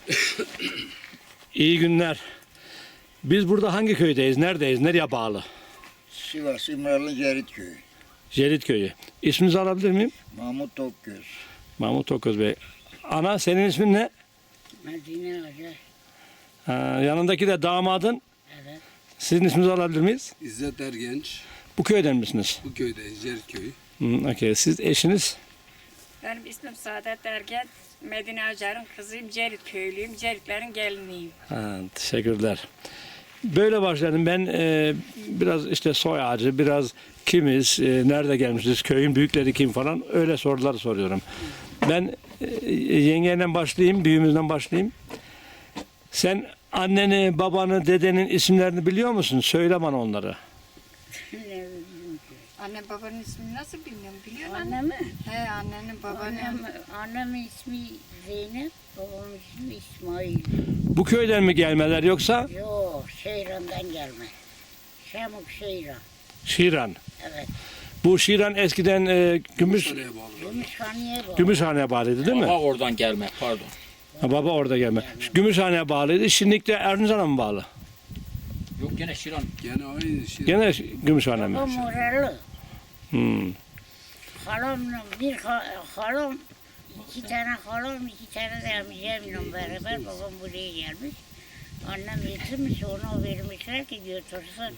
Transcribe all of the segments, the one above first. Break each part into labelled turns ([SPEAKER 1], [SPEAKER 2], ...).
[SPEAKER 1] İyi günler. Biz burada hangi köydeyiz? Neredeyiz? Nereye bağlı?
[SPEAKER 2] Sivas İmralı Cerit Köyü.
[SPEAKER 1] Cerit Köyü. İsminizi alabilir miyim?
[SPEAKER 2] Mahmut Tokgöz.
[SPEAKER 1] Mahmut Toköz Bey. Ana senin ismin ne?
[SPEAKER 3] Medine Hoca.
[SPEAKER 1] Yanındaki de damadın.
[SPEAKER 3] Evet.
[SPEAKER 1] Sizin isminizi alabilir miyiz?
[SPEAKER 4] İzzet Ergenç,
[SPEAKER 1] Bu köyden misiniz?
[SPEAKER 4] bu köydeyiz, Cerit Köyü.
[SPEAKER 1] Okay. Siz eşiniz?
[SPEAKER 5] Benim ismim Saadet Ergen. Medine Acar'ın kızıyım. Cerit köylüyüm. Ceritlerin geliniyim.
[SPEAKER 1] Teşekkürler. Böyle başladım. Ben biraz işte soy ağacı, biraz kimiz, nerede gelmişiz, köyün büyükleri kim falan öyle sorular soruyorum. Ben yengeyle başlayayım, büyüğümüzden başlayayım. Sen anneni, babanı, dedenin isimlerini biliyor musun? Söyle bana onları.
[SPEAKER 5] Anne babanın ismini nasıl bilmiyorum. Biliyor musun
[SPEAKER 3] Anne
[SPEAKER 5] anne?
[SPEAKER 3] mi?
[SPEAKER 5] He annenin babanın.
[SPEAKER 3] Annemin ismi Zeynep, babamın ismi İsmail.
[SPEAKER 1] Bu köyden mi gelmeler yoksa
[SPEAKER 3] Yok, Şeyran'dan gelme. Şamuk Şeyran.
[SPEAKER 1] Şiran?
[SPEAKER 3] Evet.
[SPEAKER 1] Bu Şiran eskiden
[SPEAKER 4] Oraya bağlı.
[SPEAKER 3] Gümüşhane'ye bağlı.
[SPEAKER 1] Gümüşhane'ye bağlıydı değil mi?
[SPEAKER 6] Baba oradan gelme, pardon.
[SPEAKER 1] Baba orada gelme. Gümüşhane'ye bağlıydı. Şimdi de Erzincan'a mı bağlı?
[SPEAKER 6] Yok gene Şiran.
[SPEAKER 4] Gene aynı şey.
[SPEAKER 1] Gene Gümüşhane mi?
[SPEAKER 3] Babam oralı.
[SPEAKER 1] Hmm.
[SPEAKER 3] Halamla halam, iki tane halam, iki tane de amcamla beraber babam buraya gelmiş. Annem getirmiş, onu vermişler ki götürsün.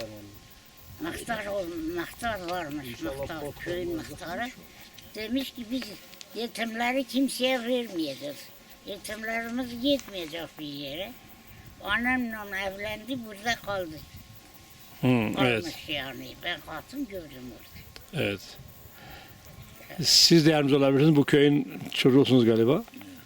[SPEAKER 3] Muhtar varmış, muhtar, köyün muhtarı. Demiş ki biz yetimleri kimseye vermeyeceğiz. Yetimlerimiz gitmeyecek bir yere. Annemle evlendi, burada kaldı.
[SPEAKER 1] Evet.
[SPEAKER 3] Kalmış yani. Ben katım gördüm orada.
[SPEAKER 1] Evet. Siz de yardımcı olabilirsiniz. Bu köyün çocuğusunuz galiba.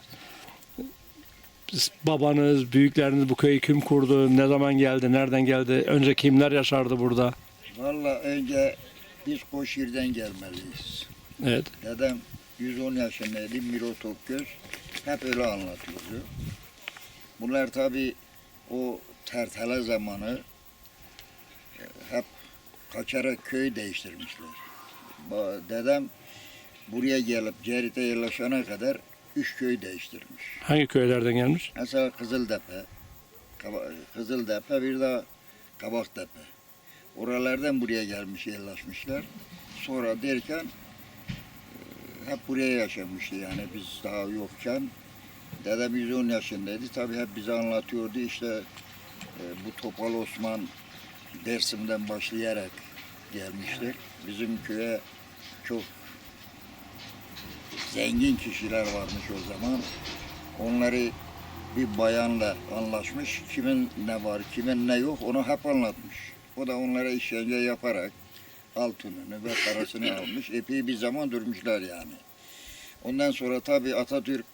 [SPEAKER 1] Babanız, büyükleriniz bu köyü kim kurdu? Ne zaman geldi? Nereden geldi? Önce kimler yaşardı burada?
[SPEAKER 2] Valla önce biz Koşir'den gelmeliyiz.
[SPEAKER 1] Evet.
[SPEAKER 2] Dedem 110 yaşındaydı, Miro Tokgöz. Hep öyle anlatılıyor. Bunlar tabi o tertele zamanı hep kaçarak köy değiştirmişler. Dedem buraya gelip Cerit'e yerleşene kadar 3 köy değiştirmiş.
[SPEAKER 1] Hangi köylerden gelmiş?
[SPEAKER 2] Mesela Kızıltepe bir de Kabaktepe. Oralardan buraya gelmiş, yerleşmişler. Sonra derken hep buraya yaşamıştı yani biz daha yokken. Dedem 110 yaşındaydı. Tabii hep bize anlatıyordu işte bu Topal Osman Dersim'den başlayarak gelmiştir. Bizim köye çok zengin kişiler varmış o zaman. Onları bir bayanla anlaşmış. Kimin ne var, kimin ne yok onu hep anlatmış. O da onlara işkence yaparak altınını ve parasını almış. Epey bir zaman durmuşlar yani. Ondan sonra tabii Atatürk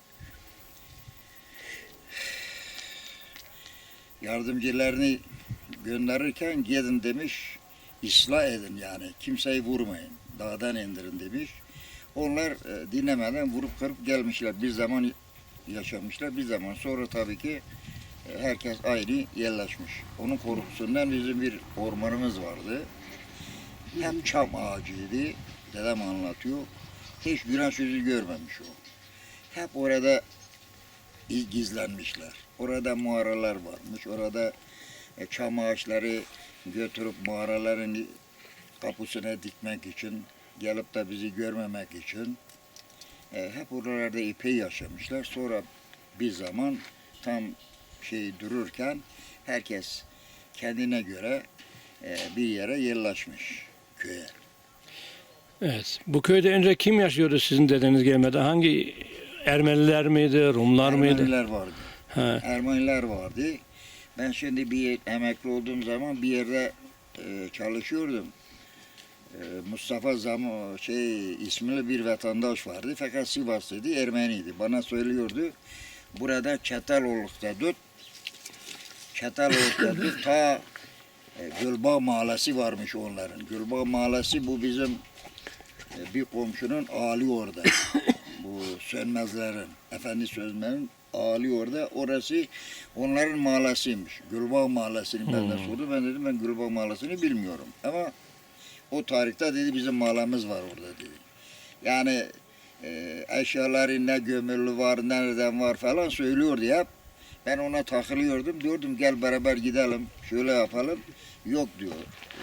[SPEAKER 2] yardımcılarını gönderirken gidin demiş, ıslah edin yani. Kimseyi vurmayın, dağdan indirin demiş. Onlar dinlemeden vurup kırıp gelmişler. Bir zaman yaşamışlar, bir zaman sonra tabii ki herkes ayrı yerleşmiş. Onun korkusundan bizim bir ormanımız vardı. Hem çam ağacıydı, dedem anlatıyor. Hiç güneş yüzü görmemiş o. Hep orada gizlenmişler. Orada mağaralar varmış. Orada çam ağaçları götürüp mağaraların kapısına dikmek için, gelip de bizi görmemek için hep oralarda epey yaşamışlar. Sonra bir zaman tam dururken herkes kendine göre bir yere yerleşmiş köye.
[SPEAKER 1] Evet. Bu köyde önce kim yaşıyordu sizin dedeniz gelmeden? Hangi Ermeniler miydi, Rumlar mıydı?
[SPEAKER 2] Ermeniler vardı.
[SPEAKER 1] He.
[SPEAKER 2] Ermeniler vardı. Ben şimdi bir emekli olduğum zaman bir yerde çalışıyordum. Mustafa ismli bir vatandaş vardı. Fakat Sivaslıydı, Ermeniydi. Bana söylüyordu. Burada Çataloluk'ta tut. Çataloluk'ta tut. Ta Gülbağ Mahallesi varmış onların. Gülbağ Mahallesi bu bizim bir komşunun ağali orada. Bu Sönmezlerin, Efendi Sönmezlerin ağali orada. Orası onların mahallesiymiş. Gülbağ Mahallesi'ni benden sordu. Ben dedim ben Gülbağ Mahallesi'ni bilmiyorum. Ama o tarihte dedi bizim mahallemiz var orada dedi. Yani Eşyaları ne gömülü var, nereden var falan söylüyordu hep. Ben ona takılıyordum. Diyordum gel beraber gidelim, şöyle yapalım. Yok diyor.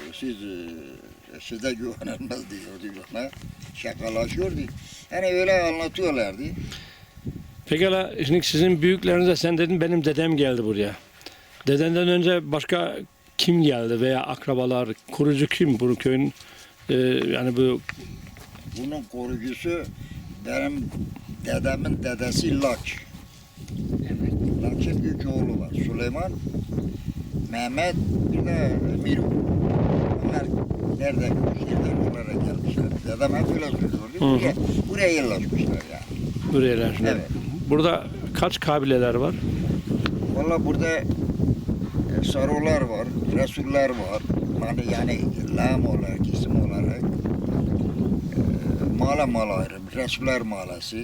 [SPEAKER 2] Size güvenilmez diyordu bana. Şakalaşıyordu. Yani öyle anlatıyorlardı.
[SPEAKER 1] Pekala şimdi sizin büyüklerinize sen dedin benim dedem geldi buraya. Dedenden önce başka kim geldi veya akrabalar, kurucu kim bu köyün yani bu
[SPEAKER 2] Bunun koruyucusu benim dedemin dedesi Laç. Laç'ın üç oğlu var. Süleyman, Mehmet, bir de Miru. Onlar nereden oralara gelmişler. Dedem hep öyle söylüyordu. Buraya yerleşmişler yani.
[SPEAKER 1] buraya yerleştiler?
[SPEAKER 2] Evet.
[SPEAKER 1] Burada kaç kabileler var?
[SPEAKER 2] Valla burada Sarolar var, Resuller var. Yani lam olarak, isim olarak. Mala ayrım, Resuller malası.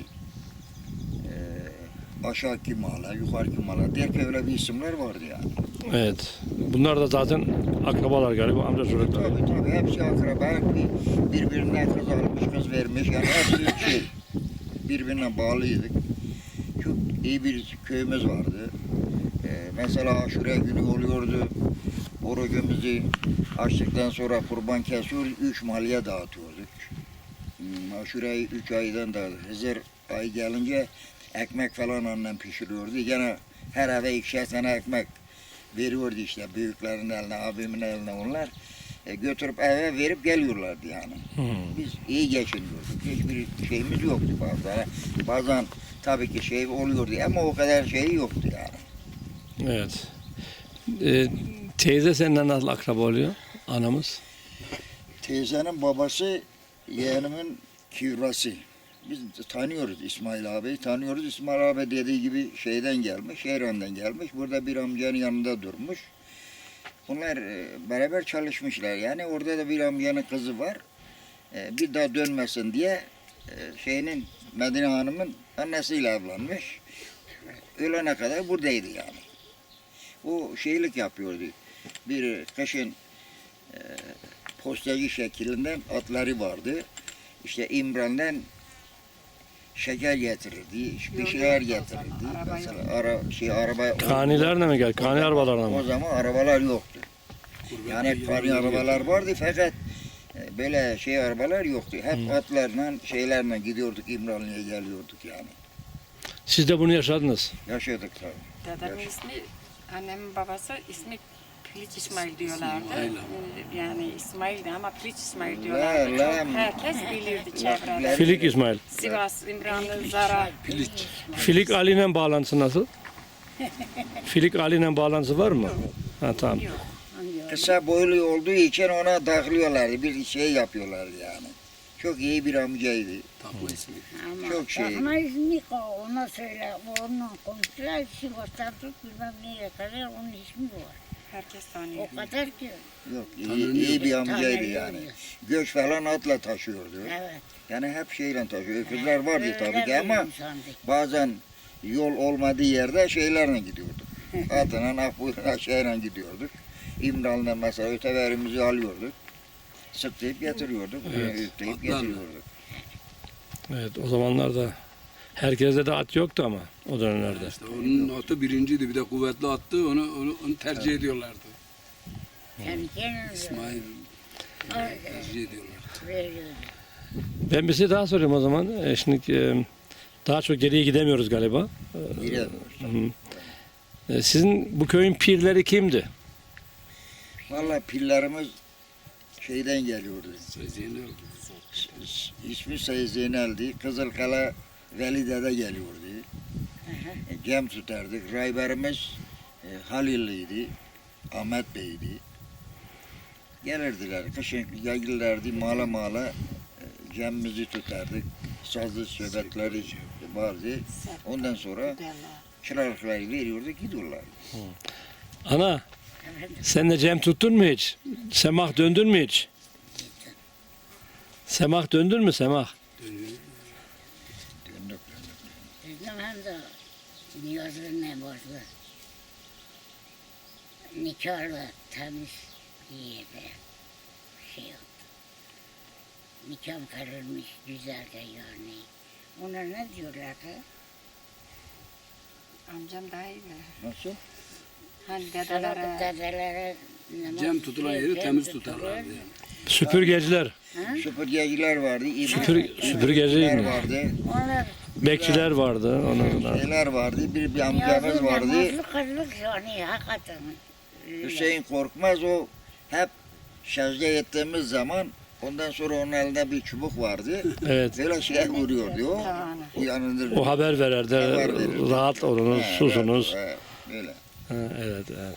[SPEAKER 2] Aşağıki mala, yukarıki mala diye öyle bir isimler vardı yani.
[SPEAKER 1] Evet. Bunlar da zaten akrabalar galiba amca çocukları.
[SPEAKER 2] Tabii hepsi akraba, birbirinden kız almış, kız vermiş yani hepsi birbirine bağlıydık. Çok iyi bir köyümüz vardı. Mesela aşure günü oluyordu. Orucumuzu açtıktan sonra kurban kesiyor, 3 mahalleye dağıtıyorduk. Aşureyi 3 aydan dağıtıyorduk. Hızır ayı gelince ekmek falan annem pişiriyordu. Gene her eve 2'şer tane ekmek veriyordu işte büyüklerin eline, abimin eline onlar. Götürüp eve verip geliyorlardı yani. Biz iyi geçiniyorduk. Hiçbir şeyimiz yoktu bazen. Bazen tabii ki şey oluyordu ama o kadar şey yoktu yani.
[SPEAKER 1] Evet. Teyze seninle nasıl akraba oluyor? Anamız.
[SPEAKER 2] Teyzenin babası yeğenimin kivrası. Biz tanıyoruz İsmail abiyi, tanıyoruz. İsmail abi dediği gibi şeyden gelmiş, İran'dan gelmiş. Burada bir amcanın yanında durmuş. Bunlar beraber çalışmışlar. Yani orada da bir amcanın kızı var. Bir daha dönmesin diye Medine Hanım'ın annesiyle evlenmiş. Ölene kadar buradaydı yani. O şeylik yapıyordu. Bir kışın postacı şeklinden atları vardı. İşte İmran'dan şeker getirirdi, bir şeyler getirirdi. Mesela araba
[SPEAKER 1] Kanilerle mi geldi? Kani arabalarla
[SPEAKER 2] o
[SPEAKER 1] mı?
[SPEAKER 2] zaman arabalar yoktu. Yani kani arabalar vardı fakat böyle arabalar yoktu. Hep atlarla şeylerle gidiyorduk, İmranlı'ya geliyorduk yani.
[SPEAKER 1] Siz de bunu yaşadınız.
[SPEAKER 2] Yaşadık tabii.
[SPEAKER 5] Dedemin ismi, annemin babası ismi Piliç İsmail diyorlardı.
[SPEAKER 4] Aynen.
[SPEAKER 5] Yani İsmail'di ama Piliç İsmail
[SPEAKER 2] La,
[SPEAKER 5] diyorlardı.
[SPEAKER 2] la.
[SPEAKER 5] Çok herkes bilirdi çevrede.
[SPEAKER 1] Filik İsmail.
[SPEAKER 5] Sivas, İmranlı, Zara.
[SPEAKER 1] Filik Ali'yle bağlantısı nasıl? Filik Ali'yle bağlantısı var mı? Ha tamam.
[SPEAKER 2] Kısa boylu olduğu için ona takılıyorlardı. Bir şey yapıyorlardı yani. Çok iyi bir amcaydı.
[SPEAKER 4] Takma ismi.
[SPEAKER 3] Ama
[SPEAKER 2] Çok şey.
[SPEAKER 3] Takma ismi ona söyle. Onunla komşular Sivas'tan tut bilmem nereye kadar onun ismi var.
[SPEAKER 5] Herkes tanıyor.
[SPEAKER 3] O kadar ki.
[SPEAKER 2] Yok iyi bir amcaydı yani.
[SPEAKER 3] Tanıyoruz.
[SPEAKER 2] Göç falan atla taşıyordu.
[SPEAKER 3] Evet.
[SPEAKER 2] Yani hep şeyle taşıyor. Öküzler vardı
[SPEAKER 3] Öyle
[SPEAKER 2] tabii ki
[SPEAKER 3] bir
[SPEAKER 2] ama
[SPEAKER 3] insandı.
[SPEAKER 2] bazen yol olmadığı yerde şeylerle gidiyorduk. Atına, Akbuyur'a şeyle gidiyorduk. İmralı'na mesela öteverimizi alıyorduk. Sıklayıp getiriyorduk.
[SPEAKER 1] Evet.
[SPEAKER 2] Ötleyip
[SPEAKER 4] Atlarla.
[SPEAKER 2] getiriyorduk.
[SPEAKER 1] Evet o zamanlarda herkeste de at yoktu ama o dönemlerde.
[SPEAKER 4] İşte onun atı birinciydi. Bir de kuvvetli attı. Onu tercih ediyorlardı.
[SPEAKER 3] Kendi kendine
[SPEAKER 4] İsmail
[SPEAKER 3] Evet.
[SPEAKER 4] tercih ediyorlar.
[SPEAKER 3] veriyordu.
[SPEAKER 1] Ben bir şey daha sorayım o zaman. Şimdi daha çok geriye gidemiyoruz galiba.
[SPEAKER 2] Gidemiyoruz.
[SPEAKER 1] Sizin bu köyün pirleri kimdi?
[SPEAKER 2] Valla pillerimiz şeyden geliyordu.
[SPEAKER 4] Sezgin
[SPEAKER 2] İsmi Sayı Zeynel'di. Kızılkala Veli Dede geliyordu. Cem tutardık. Rayberimiz Halil'liydi. Ahmet Bey'di. Gelirdiler. Kışın gelirlerdi mala cemimizi tutardık. Sazlı söbetleri vardı. Ondan sonra çırakları veriyorduk gidiyorlar.
[SPEAKER 1] Ana sen de Cem tuttun mu hiç? Semah döndün mü hiç? Semah döndün mü Semah?
[SPEAKER 2] Döndük.
[SPEAKER 3] Bizim hem de Niyaz'ın ne vardı? Nikahla temiz bir yerde şey yaptı. Nikahım kararmış güzelce yani. Ona ne diyorlardı?
[SPEAKER 5] Amcam daha iyi bilir.
[SPEAKER 2] Nasıl?
[SPEAKER 5] Hani
[SPEAKER 3] Dedelere.
[SPEAKER 5] dedelere
[SPEAKER 3] Dedelere namaz
[SPEAKER 4] Cem tutulan
[SPEAKER 3] kılıyor,
[SPEAKER 4] yeri
[SPEAKER 3] cem
[SPEAKER 4] temiz
[SPEAKER 3] tutuluyor.
[SPEAKER 4] tutarlardı yani.
[SPEAKER 1] Süpürgeciler,
[SPEAKER 2] Süpürgeciler vardı.
[SPEAKER 1] süpürgeciler mi?
[SPEAKER 2] vardı.
[SPEAKER 3] Onlar
[SPEAKER 1] bekçiler vardı. Onlar.
[SPEAKER 2] Şeyler vardı. Bir amcamız
[SPEAKER 3] yazın
[SPEAKER 2] vardı.
[SPEAKER 3] namazlı kızlık yani hakikaten.
[SPEAKER 2] Hüseyin Korkmaz o hep secde ettiğimiz zaman ondan sonra onun elinde bir çubuk vardı.
[SPEAKER 1] Evet.
[SPEAKER 2] Böyle şey vuruyordu o.
[SPEAKER 5] Tavana.
[SPEAKER 2] Yanındır.
[SPEAKER 1] O haber verirdi.
[SPEAKER 2] Haber verirdi.
[SPEAKER 1] Rahat olunuz, susunuz.
[SPEAKER 2] Böyle.
[SPEAKER 1] Ha, evet, evet.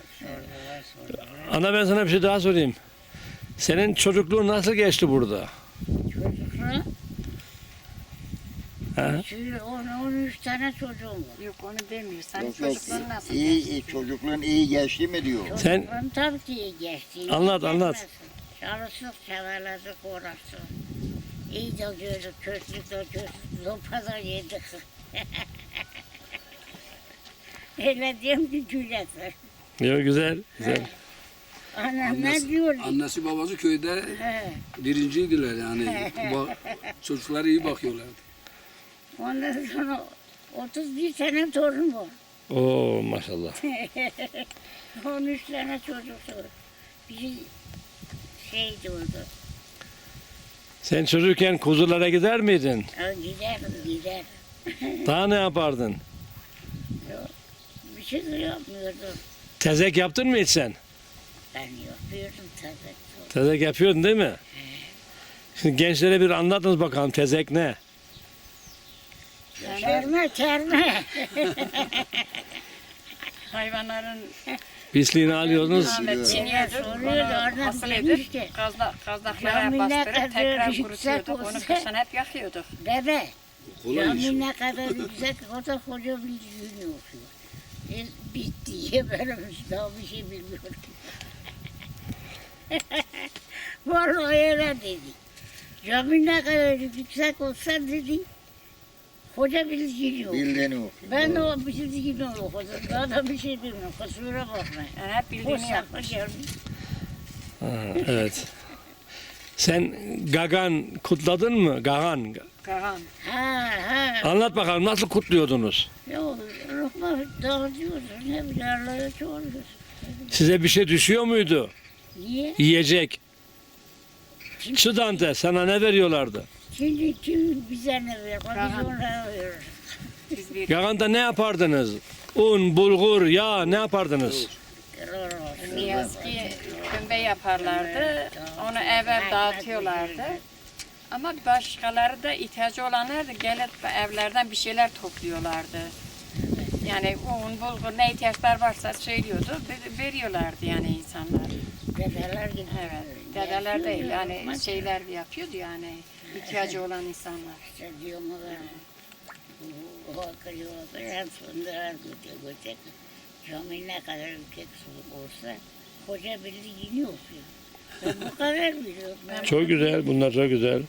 [SPEAKER 1] Ana ben sana bir şey daha sorayım. Senin çocukluğun nasıl geçti burada?
[SPEAKER 3] Çocuklar,
[SPEAKER 1] Ha?
[SPEAKER 3] şimdi 13 tane çocuğum var.
[SPEAKER 5] Yok onu demiyor. Senin
[SPEAKER 2] Yok, yok.
[SPEAKER 5] çocukluğun nasıl?
[SPEAKER 2] İyi, çocukluğun iyi geçti mi diyor.
[SPEAKER 1] Sen-
[SPEAKER 3] Çocuklarım tabii ki iyi geçti.
[SPEAKER 1] Anlat, anlat.
[SPEAKER 3] Çalıştık, çabaladık, uğraştık. İyi de gördük, kötülük de gördük, zopa da yedik. Öyle diyorum ki gülesin.
[SPEAKER 1] Yok, güzel, güzel.
[SPEAKER 3] Anam ne diyor?
[SPEAKER 4] Annesi babası köyde
[SPEAKER 3] He.
[SPEAKER 4] birinciydiler yani. Çocuklara iyi bakıyorlardı.
[SPEAKER 3] Ondan sonra 31 tane torun var.
[SPEAKER 1] Oo, maşallah.
[SPEAKER 3] 13 tane çocuk var. Biri şey doğdu.
[SPEAKER 1] Sen çocukken kuzulara gider miydin?
[SPEAKER 3] Giderim, gider.
[SPEAKER 1] Daha ne yapardın?
[SPEAKER 3] Bir şey de yapmıyordum.
[SPEAKER 1] Tezek yaptın mı hiç sen?
[SPEAKER 3] Ben yapıyordum tabii.
[SPEAKER 1] Tezek yapıyordun değil mi? Şimdi gençlere bir anlatınız bakalım tezek ne?
[SPEAKER 3] Kerme, kerme.
[SPEAKER 5] Hayvanların
[SPEAKER 1] Pisliğini alıyordunuz.
[SPEAKER 5] çiğniyorduk.
[SPEAKER 3] Soruyordu, oradan
[SPEAKER 5] Onu asıl
[SPEAKER 3] demiş
[SPEAKER 5] edip
[SPEAKER 3] ki,
[SPEAKER 5] kazlaklara
[SPEAKER 3] "Camiler
[SPEAKER 5] bastırıp
[SPEAKER 3] kadar
[SPEAKER 5] tekrar
[SPEAKER 3] yüksek
[SPEAKER 5] kurutuyorduk. Onu
[SPEAKER 3] olsa-
[SPEAKER 5] kışın hep yakıyorduk.
[SPEAKER 3] Bebe,
[SPEAKER 4] Kolay iş.
[SPEAKER 3] cami ne kadar yüksek, o da koca bir düğün okuyor. Bitti, gebermiş, daha bir şey bilmiyorum. Vallahi öyle dedi. Cami ne kadar yüksek olsa dedi, koca bir düğün okuyor.
[SPEAKER 2] Bildiğini okuyor.
[SPEAKER 3] Ben de o bir şey gibi okudum, daha da bir şey bilmiyorum, kusura bakma.
[SPEAKER 5] Yani hep
[SPEAKER 3] O
[SPEAKER 5] bildiğini yapmış.
[SPEAKER 3] saklı
[SPEAKER 1] Ha, evet. Sen Gagan kutladın mı? Gagan.
[SPEAKER 5] Kahan.
[SPEAKER 3] Ha,
[SPEAKER 1] Anlat bakalım nasıl kutluyordunuz?
[SPEAKER 3] yok, lokma dağıtıyoruz, ne bileyim, Allah'a çoğuruyoruz.
[SPEAKER 1] Size bir şey düşüyor muydu?
[SPEAKER 3] Niye?
[SPEAKER 1] Yiyecek. Çıdante sana ne veriyorlardı?
[SPEAKER 3] Şimdi kim bize ne verir, biz
[SPEAKER 5] Rahat.
[SPEAKER 3] onlara veririz.
[SPEAKER 5] Biz bir
[SPEAKER 1] Gaganda ne yapardınız? Un, bulgur, yağ ne yapardınız?
[SPEAKER 5] Niyazi kömbe yaparlardı. Onu eve dağıtıyorlardı. Ama başkaları da ihtiyacı olanlar da gelip evlerden bir şeyler topluyorlardı. Yani un, bulgur ne ihtiyaçlar varsa söylüyordu, veriyorlardı yani insanlar.
[SPEAKER 3] Dedeler gibi.
[SPEAKER 5] Evet, dedeler değil yani şeyler yapıyordu yani ihtiyacı olan insanlar.
[SPEAKER 3] İşte diyorum ben. O akıllı ben fındığa götürecek. Cami ne kadar yüksek olsa koca bildiğini okuyor. Ben bu kadar biliyorum. Ben
[SPEAKER 1] Çok güzel, bunlar çok güzel.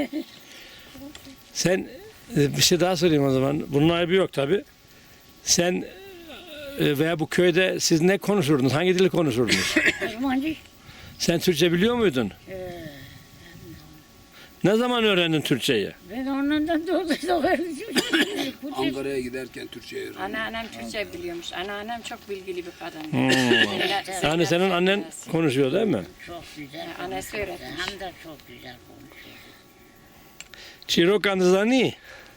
[SPEAKER 1] Sen bir şey daha sorayım o zaman. Bunun ayıbı yok tabi. Sen veya bu köyde siz ne konuşurdunuz? Hangi dili konuşurdunuz?
[SPEAKER 3] Osmancı.
[SPEAKER 1] Sen Türkçe biliyor muydun? Ne zaman öğrendin Türkçeyi?
[SPEAKER 3] Ben ondan doğdum.
[SPEAKER 4] Ankara'ya giderken Türkçe öğrendim.
[SPEAKER 5] Anneannem Türkçe biliyormuş. Anneannem çok bilgili bir kadın.
[SPEAKER 1] Yani senin annen konuşuyor değil mi?
[SPEAKER 3] Çok güzel.
[SPEAKER 5] Annesi
[SPEAKER 3] konuşuyor.
[SPEAKER 5] öğretmiş.
[SPEAKER 3] Hem de çok güzel konuşuyor.
[SPEAKER 1] Çirok andızani.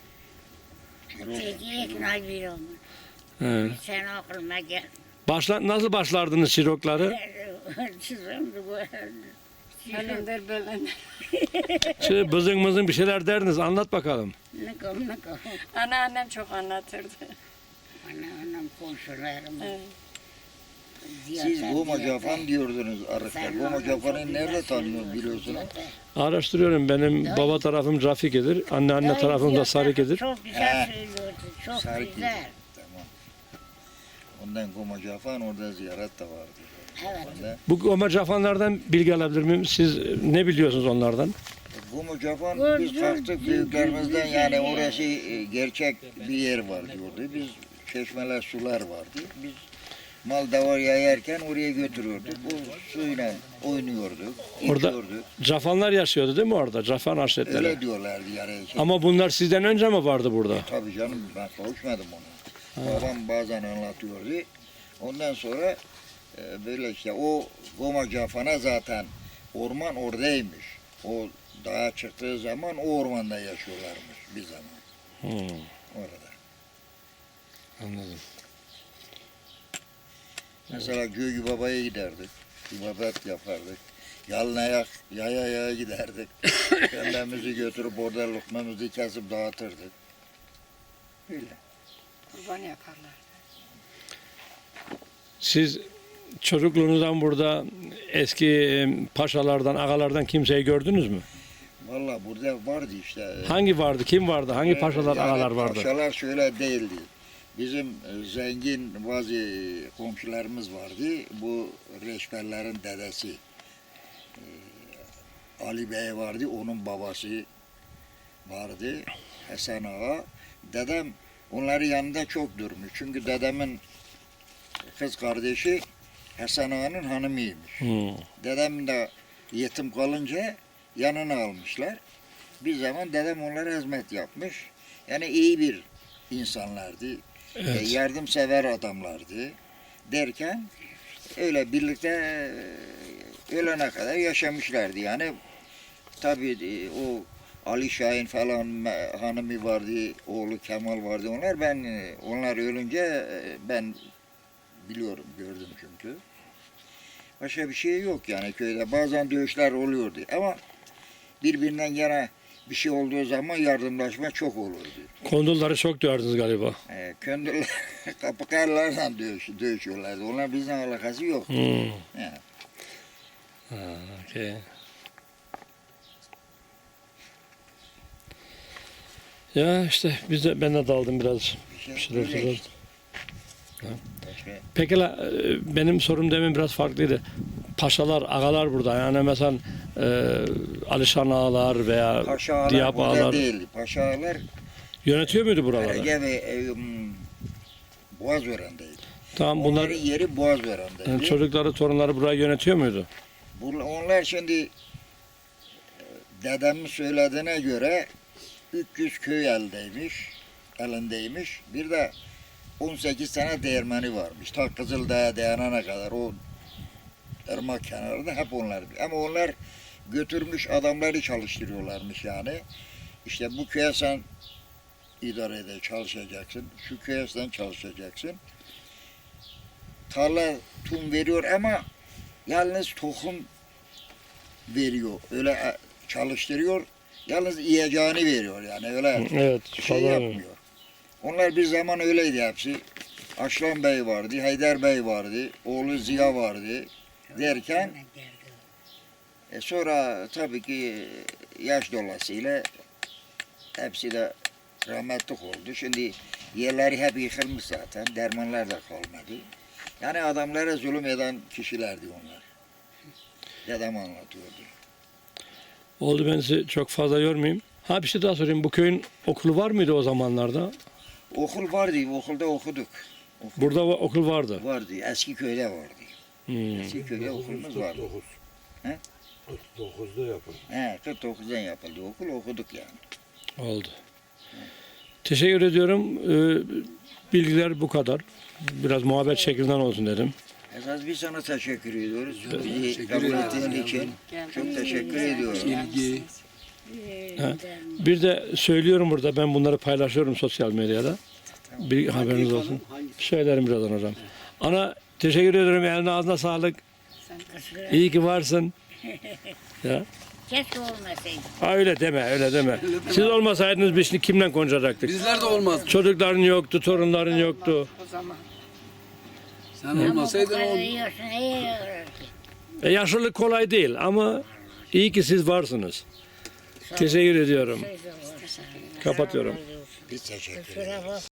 [SPEAKER 3] Peki ikna bir olmuş.
[SPEAKER 1] He.
[SPEAKER 3] Sen aklıma gel.
[SPEAKER 1] Nasıl başlardınız çirokları?
[SPEAKER 3] Çizim bu.
[SPEAKER 5] Bölündür bölündür.
[SPEAKER 1] Şöyle bızın mızın bir şeyler derdiniz. Anlat bakalım.
[SPEAKER 3] Ne kom ne kom.
[SPEAKER 5] Anneannem çok anlatırdı.
[SPEAKER 3] Anam komşularım.
[SPEAKER 5] Evet.
[SPEAKER 2] Siz Gomacafan diyordunuz arıkta. Gomacafan'ı nerede tanıyor biliyorsunuz?
[SPEAKER 1] Araştırıyorum. Benim baba tarafım Rafik'idir. Anne tarafım da Sarık'idir.
[SPEAKER 3] Çok güzel
[SPEAKER 2] He.
[SPEAKER 3] söylüyordu. Çok
[SPEAKER 2] Sarık
[SPEAKER 3] güzel.
[SPEAKER 2] Tamam. Ondan Gomacafan orada ziyaret de vardı.
[SPEAKER 3] Evet.
[SPEAKER 2] Ondan.
[SPEAKER 1] Bu Ömer Cafanlardan bilgi alabilir miyim? Siz ne biliyorsunuz onlardan?
[SPEAKER 2] Gomacafan biz
[SPEAKER 3] Gördüm,
[SPEAKER 2] kalktık büyüklerimizden
[SPEAKER 3] güzel
[SPEAKER 2] yani
[SPEAKER 3] yer.
[SPEAKER 2] orası gerçek bir yer var diyordu. Biz çeşmeler, sular vardı. Biz mal davar yayarken oraya götürürdük. O suyla oynuyorduk,
[SPEAKER 1] Orada
[SPEAKER 2] içiyorduk.
[SPEAKER 1] Cafanlar yaşıyordu değil mi orada? Cafan aşiretleri.
[SPEAKER 2] Öyle diyorlardı yani.
[SPEAKER 1] Ama bunlar sizden önce mi vardı burada?
[SPEAKER 2] Tabii canım ben kavuşmadım ona. Babam bazen anlatıyordu. Ondan sonra böyle işte o Goma Cafan'a zaten orman oradaymış. O dağa çıktığı zaman o ormanda yaşıyorlarmış bir zaman orada.
[SPEAKER 1] Anladım.
[SPEAKER 2] Mesela Göğü Baba'ya giderdik. İbadet yapardık. Yalın ayak, yaya giderdik. Kendimizi götürüp orada lokmamızı kesip dağıtırdık. Öyle.
[SPEAKER 5] Kurban yaparlar.
[SPEAKER 1] Siz çocukluğunuzdan burada eski paşalardan, ağalardan kimseyi gördünüz mü?
[SPEAKER 2] Valla burada vardı işte.
[SPEAKER 1] Hangi vardı, kim vardı, hangi paşalar,
[SPEAKER 2] Yani
[SPEAKER 1] ağalar vardı?
[SPEAKER 2] Paşalar şöyle değildi. Bizim zengin bazı komşularımız vardı. Bu reşberlerin dedesi. Ali Bey vardı, onun babası vardı. Hasan Ağa. Dedem onların yanında çok durmuş. Çünkü dedemin kız kardeşi Hasan Ağa'nın hanımıymış. Dedem de yetim kalınca yanına almışlar. Bir zaman dedem onlara hizmet yapmış. Yani iyi bir insanlardı.
[SPEAKER 1] Evet.
[SPEAKER 2] Yardımsever adamlardı. Derken öyle birlikte ölene kadar yaşamışlardı. Yani tabii o Ali Şahin falan hanımı vardı, oğlu Kemal vardı. Onlar ölünce ben biliyorum, gördüm çünkü. Başka bir şey yok yani köyde. Bazen dövüşler oluyordu ama birbirinden yana bir şey olduğu zaman yardımlaşma çok olurdu.
[SPEAKER 1] Kondulları çok döverdiniz galiba.
[SPEAKER 2] Köndürler, kapıkarlarla dövüşüyorlardı. Onlar bizden alakası yok. Yani.
[SPEAKER 1] Okay. Ya işte ben de daldım biraz. Bir şeyler
[SPEAKER 2] öyle
[SPEAKER 1] söyledim.
[SPEAKER 2] işte. Başka-
[SPEAKER 1] Peki benim sorum demin biraz farklıydı. Paşalar, ağalar burada. Yani mesela Alişan ağalar veya
[SPEAKER 2] Paşa ağalar
[SPEAKER 1] Diyap
[SPEAKER 2] burada
[SPEAKER 1] ağalar
[SPEAKER 2] değildi. Paşa ağalar
[SPEAKER 1] yönetiyor muydu buraları?
[SPEAKER 2] Ege ve Boğazören'deydi.
[SPEAKER 1] Tamam bunlar
[SPEAKER 2] Onların yeri Boğazören'deydi.
[SPEAKER 1] yani çocukları, torunları burayı yönetiyor muydu?
[SPEAKER 2] Onlar şimdi dedemin söylediğine göre 300 köy elindeymiş. Bir de 18 tane değirmeni varmış. Ta Kızıldağ'a dayanana kadar o ırmak kenarında hep onlar. Ama onlar götürmüş adamları çalıştırıyorlarmış yani. İşte bu köye sen idare çalışacaksın. Şu köye sen çalışacaksın. Tarla tüm veriyor ama yalnız tohum veriyor. Öyle çalıştırıyor. Yalnız yiyeceğini veriyor yani öyle
[SPEAKER 1] Evet.
[SPEAKER 2] şey
[SPEAKER 1] falan.
[SPEAKER 2] yapmıyor. Onlar bir zaman öyleydi hepsi. Aşlan Bey vardı, Haydar Bey vardı, oğlu Ziya vardı derken sonra tabii ki yaş dolayısıyla hepsi de rahmetlik oldu. Şimdi yerleri hep yıkılmış zaten, dermanlar da kalmadı. Yani adamlara zulüm eden kişilerdi onlar. Dedem anlatıyordu.
[SPEAKER 1] Oldu, ben sizi çok fazla yormayayım. Ha bir şey daha sorayım. Bu köyün okulu var mıydı o zamanlarda?
[SPEAKER 2] Okul vardı, okulda okuduk.
[SPEAKER 1] Burada okul vardı.
[SPEAKER 2] Vardı, eski köyde vardı. Eski köyde okulumuz vardı.
[SPEAKER 7] 49'da yapıldı.
[SPEAKER 2] 49'dan yapıldı okul, okuduk yani.
[SPEAKER 1] Oldu. Teşekkür ediyorum. Bilgiler bu kadar. Biraz muhabbet şeklinden olsun dedim.
[SPEAKER 2] Esas biz sana teşekkür ediyoruz. Bizi
[SPEAKER 4] teşekkür
[SPEAKER 2] kabul
[SPEAKER 4] ederim.
[SPEAKER 2] ettiğin için çok teşekkür ediyorum.
[SPEAKER 4] İlgi.
[SPEAKER 1] Bir de söylüyorum burada, ben bunları paylaşıyorum sosyal medyada. Bir haberiniz olsun. Söylerim birazdan hocam. Ana teşekkür ederim. Eline ağzına sağlık. İyi ki varsın. Ya.
[SPEAKER 3] Keşke olmasaydı.
[SPEAKER 1] Ha, öyle deme, öyle deme. Siz olmasaydınız biz şimdi kimle konuşacaktık?
[SPEAKER 4] Bizler de olmaz.
[SPEAKER 1] Çocukların yoktu, torunların yoktu.
[SPEAKER 5] O zaman.
[SPEAKER 4] Sen
[SPEAKER 3] Ama bu
[SPEAKER 4] olmasaydın
[SPEAKER 3] kadar
[SPEAKER 4] o
[SPEAKER 3] yiyorsun, iyi yiyor ki.
[SPEAKER 1] Yaşlılık kolay değil ama iyi ki siz varsınız. Teşekkür ediyorum. Kapatıyorum.
[SPEAKER 2] Biz teşekkür ederiz.
[SPEAKER 3] Kusura bakma.